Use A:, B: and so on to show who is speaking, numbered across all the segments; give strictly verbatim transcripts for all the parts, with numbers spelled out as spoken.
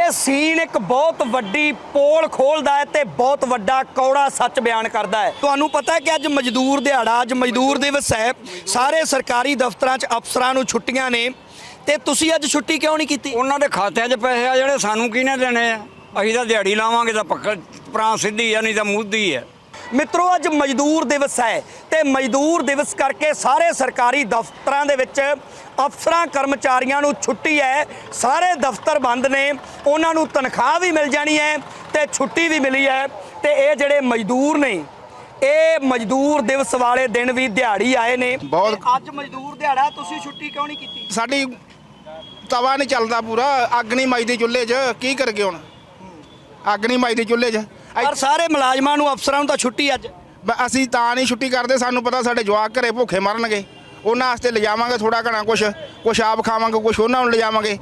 A: ਇਹ ਸੀਨ ਇੱਕ ਬਹੁਤ ਵੱਡੀ ਪੋਲ ਖੋਲਦਾ ਹੈ ਤੇ ਬਹੁਤ ਵੱਡਾ ਕੌੜਾ ਸੱਚ ਬਿਆਨ ਕਰਦਾ ਹੈ। ਤੁਹਾਨੂੰ ਪਤਾ ਹੈ ਕਿ ਅੱਜ ਮਜ਼ਦੂਰ ਦਿਹਾੜਾ, ਅੱਜ ਮਜ਼ਦੂਰ ਦਿਵਸ ਹੈ। ਸਾਰੇ ਸਰਕਾਰੀ ਦਫ਼ਤਰਾਂ 'ਚ ਅਫਸਰਾਂ ਨੂੰ ਛੁੱਟੀਆਂ ਨੇ ਤੇ ਤੁਸੀਂ ਅੱਜ ਛੁੱਟੀ ਕਿਉਂ ਨਹੀਂ ਕੀਤੀ?
B: ਉਹਨਾਂ ਦੇ ਖਾਤਿਆਂ 'ਚ ਪੈਸੇ ਆ ਜਿਹੜੇ ਸਾਨੂੰ ਕਿਹਨੇ ਦੇਣੇ ਆ? ਅਸੀਂ ਤਾਂ ਦਿਹਾੜੀ ਲਾਵਾਂਗੇ ਤਾਂ ਪੱਕਾ ਪਰਾਂ ਸਿੱਧੀ ਆ, ਨਹੀਂ ਤਾਂ ਮੁੱਧੀ ਹੈ।
A: ਮਿੱਤਰੋ, ਅੱਜ ਮਜ਼ਦੂਰ ਦਿਵਸ ਹੈ ਤੇ ਮਜ਼ਦੂਰ ਦਿਵਸ ਕਰਕੇ ਸਾਰੇ ਸਰਕਾਰੀ ਦਫ਼ਤਰਾਂ ਦੇ ਵਿੱਚ ਅਫਸਰਾਂ ਕਰਮਚਾਰੀਆਂ ਨੂੰ ਛੁੱਟੀ ਹੈ। ਸਾਰੇ ਦਫ਼ਤਰ ਬੰਦ ਨੇ, ਉਹਨਾਂ ਨੂੰ ਤਨਖਾਹ ਵੀ ਮਿਲ ਜਾਣੀ ਹੈ ਤੇ ਛੁੱਟੀ ਵੀ ਮਿਲੀ ਹੈ। ਤੇ ਇਹ ਜਿਹੜੇ ਮਜ਼ਦੂਰ ਨੇ, ਇਹ ਮਜ਼ਦੂਰ ਦਿਵਸ ਵਾਲੇ ਦਿਨ ਵੀ ਦਿਹਾੜੀ ਆਏ ਨੇ।
C: ਬਹੁਤ
A: ਅੱਜ ਮਜ਼ਦੂਰ ਦਿਹਾੜਾ, ਤੁਸੀਂ ਛੁੱਟੀ ਕਿਉਂ ਨਹੀਂ ਕੀਤੀ?
C: ਸਾਡੀ ਤਵਾ ਨਹੀਂ ਚੱਲਦਾ ਪੂਰਾ, ਅੱਗ ਨਹੀਂ ਮੱਚਦੀ ਚੁੱਲ੍ਹੇ 'ਚ, ਕੀ ਕਰਗੇ ਹੁਣ? ਅੱਗ ਨਹੀਂ ਮੱਚਦੀ ਚੁੱਲ੍ਹੇ 'ਚ।
A: ਪਰ ਸਾਰੇ ਮੁਲਾਜ਼ਮਾਂ ਨੂੰ, ਅਫਸਰਾਂ ਨੂੰ ਤਾਂ ਛੁੱਟੀ ਅੱਜ।
C: ਅਸੀਂ ਤਾਂ ਨਹੀਂ ਛੁੱਟੀ ਕਰਦੇ, ਸਾਨੂੰ ਪਤਾ ਸਾਡੇ ਜਵਾਕ ਘਰੇ ਭੁੱਖੇ ਮਰਨਗੇ। ਉਹਨਾਂ ਵਾਸਤੇ ਲਿਜਾਵਾਂਗੇ ਥੋੜਾ ਘਣਾ, ਕੁਛ ਕੁਛ ਆਪ ਖਾਵਾਂਗੇ, ਕੁਛ ਉਹਨਾਂ ਨੂੰ ਲਿਜਾਵਾਂਗੇ।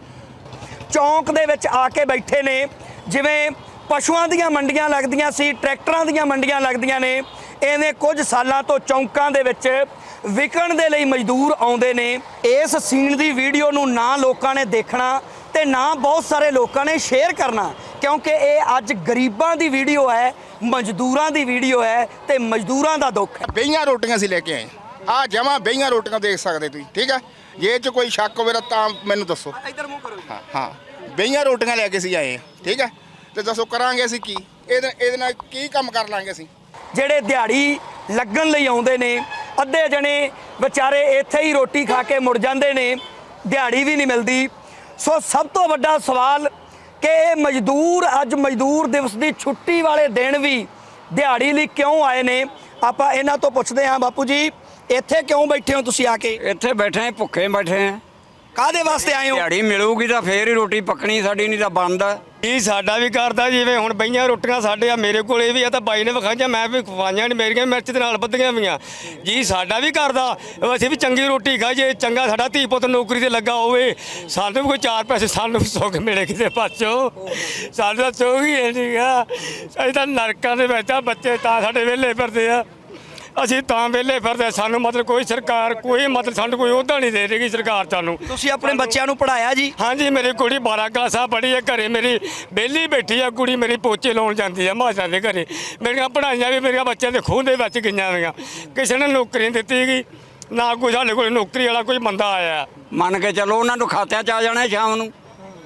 A: ਚੌਂਕ ਦੇ ਵਿੱਚ ਆ ਕੇ ਬੈਠੇ ਨੇ, ਜਿਵੇਂ ਪਸ਼ੂਆਂ ਦੀਆਂ ਮੰਡੀਆਂ ਲੱਗਦੀਆਂ ਸੀ, ਟਰੈਕਟਰਾਂ ਦੀਆਂ ਮੰਡੀਆਂ ਲੱਗਦੀਆਂ ਨੇ, ਐਵੇਂ ਕੁਝ ਸਾਲਾਂ ਤੋਂ ਚੌਂਕਾਂ ਦੇ ਵਿੱਚ ਵਿਕਣ ਦੇ ਲਈ ਮਜ਼ਦੂਰ ਆਉਂਦੇ ਨੇ। ਇਸ ਸੀਨ ਦੀ ਵੀਡੀਓ ਨੂੰ ਨਾ ਲੋਕਾਂ ਨੇ ਦੇਖਣਾ ਤੇ ਨਾ ਬਹੁਤ ਸਾਰੇ ਲੋਕਾਂ ਨੇ ਸ਼ੇਅਰ ਕਰਨਾ, ਕਿਉਂਕਿ ਇਹ ਅੱਜ ਗਰੀਬਾਂ ਦੀ ਵੀਡੀਓ ਹੈ, ਮਜ਼ਦੂਰਾਂ ਦੀ ਵੀਡੀਓ ਹੈ ਤੇ ਮਜ਼ਦੂਰਾਂ ਦਾ ਦੁੱਖ ਹੈ।
C: ਬਈਆਂ ਰੋਟੀਆਂ ਅਸੀਂ ਲੈ ਕੇ ਆਏ ਆ, ਜਮਾਂ ਬਈਆਂ ਰੋਟੀਆਂ ਦੇਖ ਸਕਦੇ ਤੁਸੀਂ, ਠੀਕ ਹੈ? ਜੇ ਇਹ 'ਚ ਕੋਈ ਸ਼ੱਕ ਹੋਵੇ ਤਾਂ ਮੈਨੂੰ ਦੱਸੋ।
A: ਇੱਧਰ ਮੂੰਹ ਕਰੋ।
C: ਹਾਂ ਹਾਂ, ਬਈਆਂ ਰੋਟੀਆਂ ਲੈ ਕੇ ਅਸੀਂ ਆਏ ਹਾਂ, ਠੀਕ ਹੈ? ਤੇ ਦੱਸੋ ਕਰਾਂਗੇ ਅਸੀਂ ਕੀ? ਇਹਦੇ ਇਹਦੇ ਨਾਲ ਕੀ ਕੰਮ ਕਰ ਲਾਂਗੇ ਅਸੀਂ?
A: ਜਿਹੜੇ ਦਿਹਾੜੀ ਲੱਗਣ ਲਈ ਆਉਂਦੇ ਨੇ, ਅੱਧੇ ਜਣੇ ਵਿਚਾਰੇ ਇੱਥੇ ਹੀ ਰੋਟੀ ਖਾ ਕੇ ਮੁੜ ਜਾਂਦੇ ਨੇ, ਦਿਹਾੜੀ ਵੀ ਨਹੀਂ ਮਿਲਦੀ। ਸੋ ਸਭ ਤੋਂ ਵੱਡਾ ਸਵਾਲ ਕਿ ਇਹ ਮਜ਼ਦੂਰ ਅੱਜ ਮਜ਼ਦੂਰ ਦਿਵਸ ਦੀ ਛੁੱਟੀ ਵਾਲੇ ਦਿਨ ਵੀ ਦਿਹਾੜੀ ਲਈ ਕਿਉਂ ਆਏ ਨੇ? ਆਪਾਂ ਇਹਨਾਂ ਤੋਂ ਪੁੱਛਦੇ ਹਾਂ। ਬਾਪੂ ਜੀ, ਇੱਥੇ ਕਿਉਂ ਬੈਠੇ ਹੋ ਤੁਸੀਂ ਆ ਕੇ?
B: ਇੱਥੇ ਬੈਠੇ ਭੁੱਖੇ ਬੈਠੇ ਆ।
A: ਕਾਹਦੇ ਵਾਸਤੇ ਆਏ ਹੋ?
B: ਦਿਹਾੜੀ ਮਿਲੂਗੀ ਤਾਂ ਫੇਰ ਹੀ ਰੋਟੀ ਪੱਕਣੀ, ਸਾਡੀ ਨਹੀਂ ਤਾਂ ਬੰਦ ਆ।
D: ਜੀ ਸਾਡਾ ਵੀ ਕਰਦਾ, ਜਿਵੇਂ ਹੁਣ ਬਈਆਂ ਰੋਟੀਆਂ ਸਾਡੇ ਆ, ਮੇਰੇ ਕੋਲ ਇਹ ਵੀ ਆ, ਤਾਂ ਬਾਈ ਨੇ ਵਿਖਾਈਆਂ, ਮੈਂ ਵੀ ਖਵਾਈਆਂ ਨੇ, ਮੇਰੀਆਂ ਮਿਰਚ ਦੇ ਨਾਲ ਬੱਧੀਆਂ ਵੀਆਂ ਜੀ। ਸਾਡਾ ਵੀ ਕਰਦਾ, ਅਸੀਂ ਵੀ ਚੰਗੀ ਰੋਟੀ ਖਾਈਏ, ਚੰਗਾ ਸਾਡਾ ਧੀ ਪੁੱਤ ਨੌਕਰੀ ਤੇ ਲੱਗਾ ਹੋਵੇ, ਸਾਨੂੰ ਵੀ ਕੋਈ ਚਾਰ ਪੈਸੇ ਸਾਨੂੰ ਵੀ ਸੁੱਖ ਮਿਲੇ ਕਿਸੇ ਪਾਸੋਂ। ਸਾਨੂੰ ਤਾਂ ਸੁੱਖ ਹੀ ਹੈ ਨਹੀਂ ਗਾ, ਅਸੀਂ ਤਾਂ ਨਰਕਾਂ ਦੇ ਵਿੱਚ ਆ, ਬੱਚੇ ਤਾਂ ਸਾਡੇ ਵਿਹਲੇ ਫਿਰਦੇ ਆ, ਅਸੀਂ ਤਾਂ ਵਿਹਲੇ ਫਿਰਦੇ। ਸਾਨੂੰ ਮਤਲਬ ਕੋਈ ਸਰਕਾਰ ਕੋਈ ਮਤਲਬ ਸਾਨੂੰ ਕੋਈ ਅਹੁਦਾ ਨਹੀਂ ਦੇ ਰਹੀ ਸਰਕਾਰ ਸਾਨੂੰ।
A: ਤੁਸੀਂ ਆਪਣੇ ਬੱਚਿਆਂ ਨੂੰ ਪੜ੍ਹਾਇਆ ਜੀ?
D: ਹਾਂਜੀ, ਮੇਰੀ ਕੁੜੀ ਬਾਰਾਂ ਕਲਾਸਾਂ ਪੜ੍ਹੀ ਹੈ, ਘਰੇ ਮੇਰੀ ਵਿਹਲੀ ਬੈਠੀ ਆ ਕੁੜੀ ਮੇਰੀ, ਪੋਚੇ ਲਾਉਣ ਜਾਂਦੀ ਆ ਮਾਸ਼ਾਂ ਦੇ ਘਰੇ। ਮੇਰੀਆਂ ਪੜ੍ਹਾਈਆਂ ਵੀ ਮੇਰੀਆਂ ਬੱਚਿਆਂ ਦੇ ਖੂਹ ਦੇ ਵਿੱਚ ਗਈਆਂ ਹੋਈਆਂ, ਕਿਸੇ ਨੇ ਨੌਕਰੀ ਨਹੀਂ ਦਿੱਤੀ ਗਈ, ਨਾ ਕੋਈ ਸਾਡੇ ਕੋਲ ਨੌਕਰੀ ਵਾਲਾ ਕੋਈ ਬੰਦਾ ਆਇਆ।
B: ਮੰਨ ਕੇ ਚੱਲੋ ਉਹਨਾਂ ਨੂੰ ਖਾਤਿਆਂ 'ਚ ਆ ਜਾਣਾ ਸ਼ਾਮ ਨੂੰ,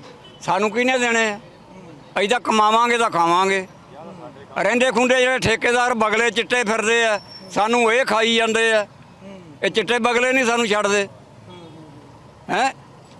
B: ਸਾਨੂੰ ਕਿਹਨੇ ਦੇਣੇ ਆ? ਅਸੀਂ ਤਾਂ ਕਮਾਵਾਂਗੇ ਤਾਂ ਖਾਵਾਂਗੇ। ਰਹਿੰਦੇ ਖੁੰਡੇ ਜਿਹੜੇ ਠੇਕੇਦਾਰ ਬਗਲੇ ਚਿੱਟੇ ਫਿਰਦੇ ਆ, ਸਾਨੂੰ ਇਹ ਖਾਈ ਜਾਂਦੇ ਆ। ਇਹ ਚਿੱਟੇ ਬਗਲੇ ਨਹੀਂ ਸਾਨੂੰ ਛੱਡਦੇ ਹੈ।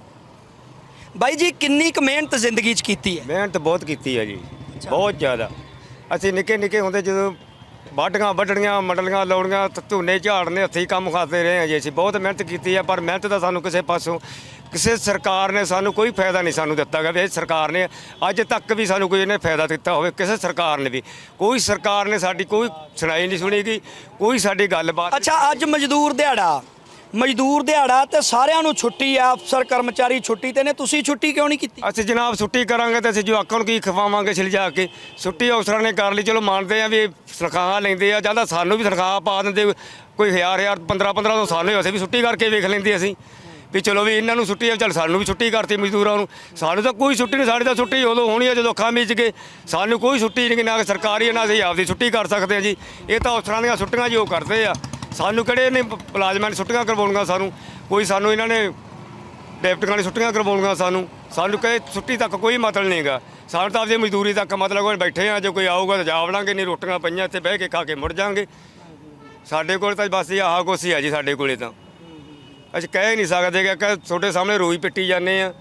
A: ਬਾਈ ਜੀ, ਕਿੰਨੀ ਕੁ ਮਿਹਨਤ ਜ਼ਿੰਦਗੀ 'ਚ ਕੀਤੀ ਹੈ?
D: ਮਿਹਨਤ ਬਹੁਤ ਕੀਤੀ ਹੈ ਜੀ, ਬਹੁਤ ਜ਼ਿਆਦਾ। ਅਸੀਂ ਨਿੱਕੇ ਨਿੱਕੇ ਹੁੰਦੇ ਜਦੋਂ ਵਾਢੀਆਂ ਵੱਢਣੀਆਂ, ਮੰਡਲੀਆਂ ਲਾਉਣੀਆਂ, ਝੋਨੇ ਝਾੜਨੇ, ਹੱਥੀਂ ਕੰਮ ਖਾਤੇ ਰਹੇ ਹਾਂ ਜੀ। ਅਸੀਂ ਬਹੁਤ ਮਿਹਨਤ ਕੀਤੀ ਹੈ, ਪਰ ਮਿਹਨਤ ਦਾ ਸਾਨੂੰ ਕਿਸੇ ਪਾਸੋਂ ਕਿਸੇ ਸਰਕਾਰ ਨੇ ਸਾਨੂੰ ਕੋਈ ਫਾਇਦਾ ਨਹੀਂ ਸਾਨੂੰ ਦਿੱਤਾ ਗਾ। ਵੀ ਇਹ ਸਰਕਾਰ ਨੇ ਅੱਜ ਤੱਕ ਵੀ ਸਾਨੂੰ ਕੋਈ ਇਹਨੇ ਫਾਇਦਾ ਦਿੱਤਾ ਹੋਵੇ, ਕਿਸੇ ਸਰਕਾਰ ਨੇ ਵੀ ਕੋਈ ਸਰਕਾਰ ਨੇ ਸਾਡੀ ਕੋਈ ਸੁਣਾਈ ਨਹੀਂ ਸੁਣੀ ਗੀ, ਕੋਈ ਸਾਡੀ ਗੱਲਬਾਤ।
A: ਅੱਛਾ, ਅੱਜ ਮਜ਼ਦੂਰ ਦਿਹਾੜਾ, ਮਜ਼ਦੂਰ ਦਿਹਾੜਾ ਤੇ ਸਾਰਿਆਂ ਨੂੰ ਛੁੱਟੀ ਆ, ਅਫਸਰ ਕਰਮਚਾਰੀ ਛੁੱਟੀ ਤੇ ਨੇ, ਤੁਸੀਂ ਛੁੱਟੀ ਕਿਉਂ ਨਹੀਂ ਕੀਤੀ?
D: ਅਸੀਂ ਜਨਾਬ ਛੁੱਟੀ ਕਰਾਂਗੇ ਤਾਂ ਅਸੀਂ ਜਵਾਕਾਂ ਨੂੰ ਕੀ ਖਵਾਵਾਂਗੇ ਛਿਲਜਾ ਕੇ? ਛੁੱਟੀ ਅਫਸਰਾਂ ਨੇ ਕਰ ਲਈ, ਚਲੋ ਮੰਨਦੇ ਆ ਵੀ ਤਨਖਾਹ ਲੈਂਦੇ ਆ, ਜਾਂ ਤਾਂ ਸਾਨੂੰ ਵੀ ਤਨਖਾਹ ਪਾ ਦਿੰਦੇ, ਕੋਈ ਹਜ਼ਾਰ ਹਜ਼ਾਰ ਪੰਦਰਾਂ ਪੰਦਰਾਂ ਤੋਂ ਸਾਨੂੰ ਅਸੀਂ ਵੀ ਛੁੱਟੀ ਕਰਕੇ ਵੇਖ ਲੈਂਦੇ ਅਸੀਂ ਵੀ ਚਲੋ ਵੀ ਇਹਨਾਂ ਨੂੰ ਛੁੱਟੀ ਆ, ਚੱਲ ਸਾਨੂੰ ਵੀ ਛੁੱਟੀ ਕਰਤੀ ਮਜ਼ਦੂਰਾਂ ਨੂੰ। ਸਾਨੂੰ ਤਾਂ ਕੋਈ ਛੁੱਟੀ ਨਹੀਂ, ਸਾਡੀ ਤਾਂ ਛੁੱਟੀ ਉਦੋਂ ਹੋਣੀ ਆ ਜਦੋਂ ਅੱਖਾਂ ਮੀਚ ਕੇ, ਸਾਨੂੰ ਕੋਈ ਛੁੱਟੀ ਨਹੀਂ, ਨਾ ਸਰਕਾਰੀ ਨਾ ਅਸੀਂ ਆਪਦੀ ਛੁੱਟੀ ਕਰ ਸਕਦੇ ਹਾਂ ਜੀ। ਇਹ ਤਾਂ ਅਫਸਰਾਂ ਦੀਆਂ ਛੁੱਟੀਆਂ ਜੋ ਕਰਦੇ ਆ, ਸਾਨੂੰ ਕਿਹੜੇ ਨੇ ਮੁਲਾਜ਼ਮਾਂ ਨੇ ਛੁੱਟੀਆਂ ਕਰਵਾਉਣੀਆਂ? ਸਾਨੂੰ ਕੋਈ ਸਾਨੂੰ ਇਹਨਾਂ ਨੇ ਡਿਪਟੀਆਂ ਨੇ ਛੁੱਟੀਆਂ ਕਰਵਾਉਣੀਆਂ ਸਾਨੂੰ? ਸਾਨੂੰ ਕਹੇ ਛੁੱਟੀ ਤੱਕ ਕੋਈ ਮਤਲਬ ਨਹੀਂ ਗਾ, ਸਾਨੂੰ ਤਾਂ ਆਪਦੀ ਮਜ਼ਦੂਰੀ ਤੱਕ ਮਤਲਬ ਕੋਈ ਬੈਠੇ ਆ, ਜੇ ਕੋਈ ਆਊਗਾ ਤਾਂ ਜਾ ਵੜਾਂਗੇ, ਨਹੀਂ ਰੋਟੀਆਂ ਪਈਆਂ ਇੱਥੇ ਬਹਿ ਕੇ ਖਾ ਕੇ ਮੁੜ ਜਾਵਾਂਗੇ। ਸਾਡੇ ਕੋਲ ਤਾਂ ਬਸ ਇਹ ਆਹ ਕੁਛ ਹੀ ਆ ਜੀ, ਸਾਡੇ ਕੋਲੇ ਤਾਂ ਅਸੀਂ ਕਹਿ ਨਹੀਂ ਸਕਦੇ ਕਿ ਤੁਹਾਡੇ ਸਾਹਮਣੇ ਰੋਈ ਪਿੱਟੀ ਜਾਂਦੇ ਆ।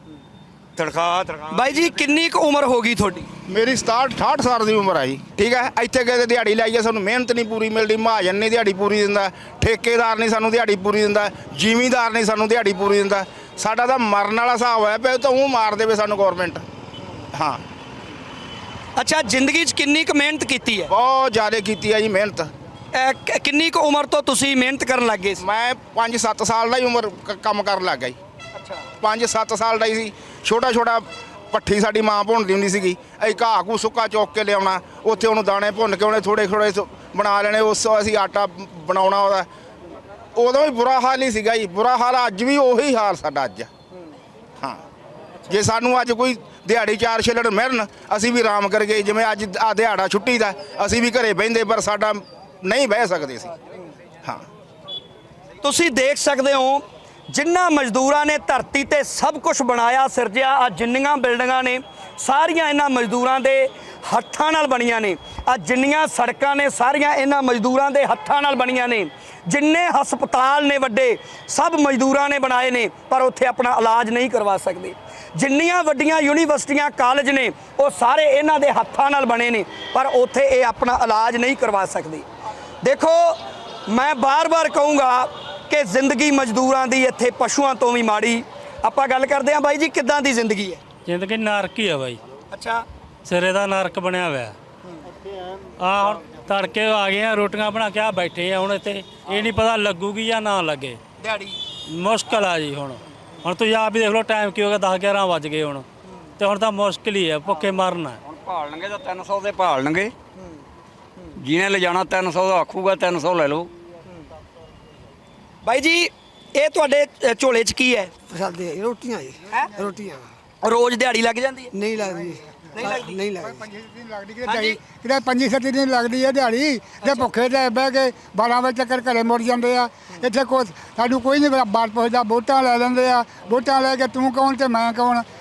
D: ਤਨਖਾਹ ਤਨਖਾਹ
A: ਬਾਈ ਜੀ, ਕਿੰਨੀ ਕੁ ਉਮਰ ਹੋ ਗਈ ਤੁਹਾਡੀ?
C: ਮੇਰੀ ਸਤਾਹਠ ਅਠਾਹਠ ਸਾਲ ਦੀ ਉਮਰ ਆ ਜੀ, ਠੀਕ ਹੈ? ਇੱਥੇ ਗਏ ਤੇ ਦਿਹਾੜੀ ਲਾਈਏ, ਸਾਨੂੰ ਮਿਹਨਤ ਨਹੀਂ ਪੂਰੀ ਮਿਲਦੀ, ਮਹਾਜਨ ਨਹੀਂ ਦਿਹਾੜੀ ਪੂਰੀ ਦਿੰਦਾ, ਠੇਕੇਦਾਰ ਨਹੀਂ ਸਾਨੂੰ ਦਿਹਾੜੀ ਪੂਰੀ ਦਿੰਦਾ, ਜ਼ਿਮੀਂਦਾਰ ਨਹੀਂ ਸਾਨੂੰ ਦਿਹਾੜੀ ਪੂਰੀ ਦਿੰਦਾ। ਸਾਡਾ ਤਾਂ ਮਰਨ ਵਾਲਾ ਹਿਸਾਬ ਹੋਇਆ ਪਿਆ, ਤਾਂ ਉਹ ਮਾਰ ਦੇਵੇ ਸਾਨੂੰ ਗੌਰਮੈਂਟ। ਹਾਂ।
A: ਅੱਛਾ, ਜ਼ਿੰਦਗੀ 'ਚ ਕਿੰਨੀ ਕੁ ਮਿਹਨਤ ਕੀਤੀ ਹੈ?
C: ਬਹੁਤ ਜ਼ਿਆਦਾ ਕੀਤੀ ਹੈ ਜੀ ਮਿਹਨਤ।
A: ਅਹ ਕ- ਕਿੰਨੀ ਕੁ ਉਮਰ ਤੋਂ ਤੁਸੀਂ ਮਿਹਨਤ ਕਰਨ ਲੱਗ ਗਏ ਸੀ?
C: ਮੈਂ ਪੰਜ ਸੱਤ ਸਾਲ ਦਾ ਹੀ ਉਮਰ ਕ- ਕੰਮ ਕਰਨ ਲੱਗ ਗਿਆ ਜੀ।
A: ਅੱਛਾ।
C: ਪੰਜ ਸੱਤ ਸਾਲ ਦਾ ਹੀ ਸੀ। ਛੋਟਾ ਛੋਟਾ ਪੱਠੀ ਸਾਡੀ ਮਾਂ ਭੁੰਨਦੀ ਹੁੰਦੀ ਸੀਗੀ, ਅਸੀਂ ਘਾਹ ਘੂ ਸੁੱਕਾ ਚੁੱਕ ਕੇ ਲਿਆਉਣਾ, ਉੱਥੇ ਉਹਨੂੰ ਦਾਣੇ ਭੁੰਨ ਕੇ ਉਹਨੇ ਥੋੜ੍ਹੇ ਥੋੜ੍ਹੇ ਬਣਾ ਲੈਣੇ, ਉਸ ਅਸੀਂ ਆਟਾ ਬਣਾਉਣਾ ਉਹਦਾ। ਉਦੋਂ ਵੀ ਬੁਰਾ ਹਾਲ ਹੀ ਸੀਗਾ ਜੀ, ਬੁਰਾ ਹਾਲ ਅੱਜ ਵੀ ਉਹੀ ਹਾਲ ਸਾਡਾ ਅੱਜ। ਹਾਂ, ਜੇ ਸਾਨੂੰ ਅੱਜ ਕੋਈ ਦਿਹਾੜੀ ਚਾਰ ਛਿੱਲੜ ਮਿਲਣ ਅਸੀਂ ਵੀ ਆਰਾਮ ਕਰੀਏ। ਜਿਵੇਂ ਅੱਜ ਆ ਦਿਹਾੜਾ ਛੁੱਟੀ ਦਾ ਅਸੀਂ ਵੀ ਘਰੇ ਬਹਿੰਦੇ ਪਰ ਸਾਡਾ ਨਹੀਂ ਬਹਿ ਸਕਦੇ ਸੀ। ਹਾਂ,
A: ਤੁਸੀਂ ਦੇਖ ਸਕਦੇ ਹੋ ਜਿਨ੍ਹਾਂ ਮਜ਼ਦੂਰਾਂ ਨੇ ਧਰਤੀ ਤੇ ਸਭ ਕੁਝ ਬਣਾਇਆ ਸਿਰਜਿਆ, ਆ ਜਿੰਨੀਆਂ ਬਿਲਡਿੰਗਾਂ ਨੇ ਸਾਰੀਆਂ ਇਹਨਾਂ ਮਜ਼ਦੂਰਾਂ ਦੇ ਹੱਥਾਂ ਨਾਲ ਬਣੀਆਂ ਨੇ। ਆ ਜਿੰਨੀਆਂ ਸੜਕਾਂ ਨੇ ਸਾਰੀਆਂ ਇਹਨਾਂ ਮਜ਼ਦੂਰਾਂ ਦੇ ਹੱਥਾਂ ਨਾਲ ਬਣੀਆਂ ਨੇ। ਜਿੰਨੇ ਹਸਪਤਾਲ ਨੇ ਵੱਡੇ ਸਭ ਮਜ਼ਦੂਰਾਂ ਨੇ ਬਣਾਏ ਨੇ, ਪਰ ਉੱਥੇ ਆਪਣਾ ਇਲਾਜ ਨਹੀਂ ਕਰਵਾ ਸਕਦੇ। ਜਿੰਨੀਆਂ ਵੱਡੀਆਂ ਯੂਨੀਵਰਸਿਟੀਆਂ ਕਾਲਜ ਨੇ ਉਹ ਸਾਰੇ ਇਹਨਾਂ ਦੇ ਹੱਥਾਂ ਨਾਲ ਬਣੇ ਨੇ, ਪਰ ਉੱਥੇ ਇਹ ਆਪਣਾ ਇਲਾਜ ਨਹੀਂ ਕਰਵਾ ਸਕਦੇ। ਦੇਖੋ, ਮੈਂ ਬਾਰ-ਬਾਰ ਕਹੂੰਗਾ ਕਿ ਜ਼ਿੰਦਗੀ ਮਜ਼ਦੂਰਾਂ ਦੀ ਇੱਥੇ ਪਸ਼ੂਆਂ ਤੋਂ ਵੀ ਮਾੜੀ। ਆਪਾਂ ਗੱਲ ਕਰਦੇ ਹਾਂ ਬਾਈ ਜੀ, ਕਿੱਦਾਂ ਦੀ ਜ਼ਿੰਦਗੀ ਹੈ?
E: ਜ਼ਿੰਦਗੀ ਨਰਕ ਹੀ ਆ ਬਾਈ,
A: ਅੱਛਾ,
E: ਸਿਰੇ ਦਾ ਨਰਕ ਬਣਿਆ ਹੋਇਆ। ਆ ਹੁਣ ਤੜਕੇ ਆ ਗਏ ਆ, ਰੋਟੀਆਂ ਬਣਾ ਕੇ ਆ ਬੈਠੇ ਆ ਹੁਣ ਇੱਥੇ। ਇਹ ਨਹੀਂ ਪਤਾ ਲੱਗੂਗੀ ਜਾਂ ਨਾ ਲੱਗੇ,
A: ਦਿਹਾੜੀ
E: ਮੁਸ਼ਕਲ ਆ ਜੀ। ਹੁਣ ਹੁਣ ਤੁਸੀਂ ਆਪ ਵੀ ਦੇਖ ਲਓ ਟਾਈਮ ਕੀ ਹੋ ਗਿਆ, ਦਸ ਗਿਆਰਾਂ ਵੱਜ ਗਏ ਹੁਣ, ਤੇ ਹੁਣ ਤਾਂ ਮੁਸ਼ਕਲ ਹੀ ਆ, ਭੁੱਖੇ ਮਰਨਾ।
B: ਹੁਣ ਭਾਲਣਗੇ ਤਾਂ ਤਿੰਨ ਸੌ ਦੇ ਭਾਲਣਗੇ, ਜਿਹਨੇ ਲਿਜਾਣਾ ਤਿੰਨ ਸੌ ਦਾ ਆਖੂਗਾ ਤਿੰਨ ਸੌ ਲੈ ਲਓ।
A: ਬਾਈ ਜੀ, ਇਹ ਤੁਹਾਡੇ ਅ, ਝੋਲੇ 'ਚ ਕੀ ਹੈ?
F: ਸਾਡੇ ਰੋਟੀਆਂ ਜੀ,
A: ਹੈਂ?
F: ਰੋਟੀਆਂ
A: ਰੋਜ਼ ਦਿਹਾੜੀ ਲੱਗ ਜਾਂਦੀ ਹੈ?
F: ਨਹੀਂ ਲੱਗਦੀ,
A: ਨਹੀਂ ਲੱਗਦੀ?
F: ਨਹੀਂ ਲੱਗਦੀ।
G: ਲੱਗਦੀ ਕਿਤੇ ਦਿਹਾੜੀ ਕਿਤੇ ਪੰਜੀ ਸੱਤੀ ਦਿਨ ਲੱਗਦੀ ਹੈ ਦਿਹਾੜੀ ਤੇ ਭੁੱਖੇ ਤੇ ਬਹਿ ਕੇ ਬਾਰਾਂ ਵਜੇ ਚੱਕਰ ਘਰੇ ਮੁੜ ਜਾਂਦੇ ਆ। ਇੱਥੇ ਕੋਈ ਸਾਨੂੰ ਕੋਈ ਨਹੀਂ ਬਾਤ ਪੁੱਛਦਾ, ਵੋਟਾਂ ਲੈ ਲੈਂਦੇ ਆ। ਵੋਟਾਂ ਲੈ ਕੇ ਤੂੰ ਕੌਣ ਤੇ ਮੈਂ ਕੌਣ।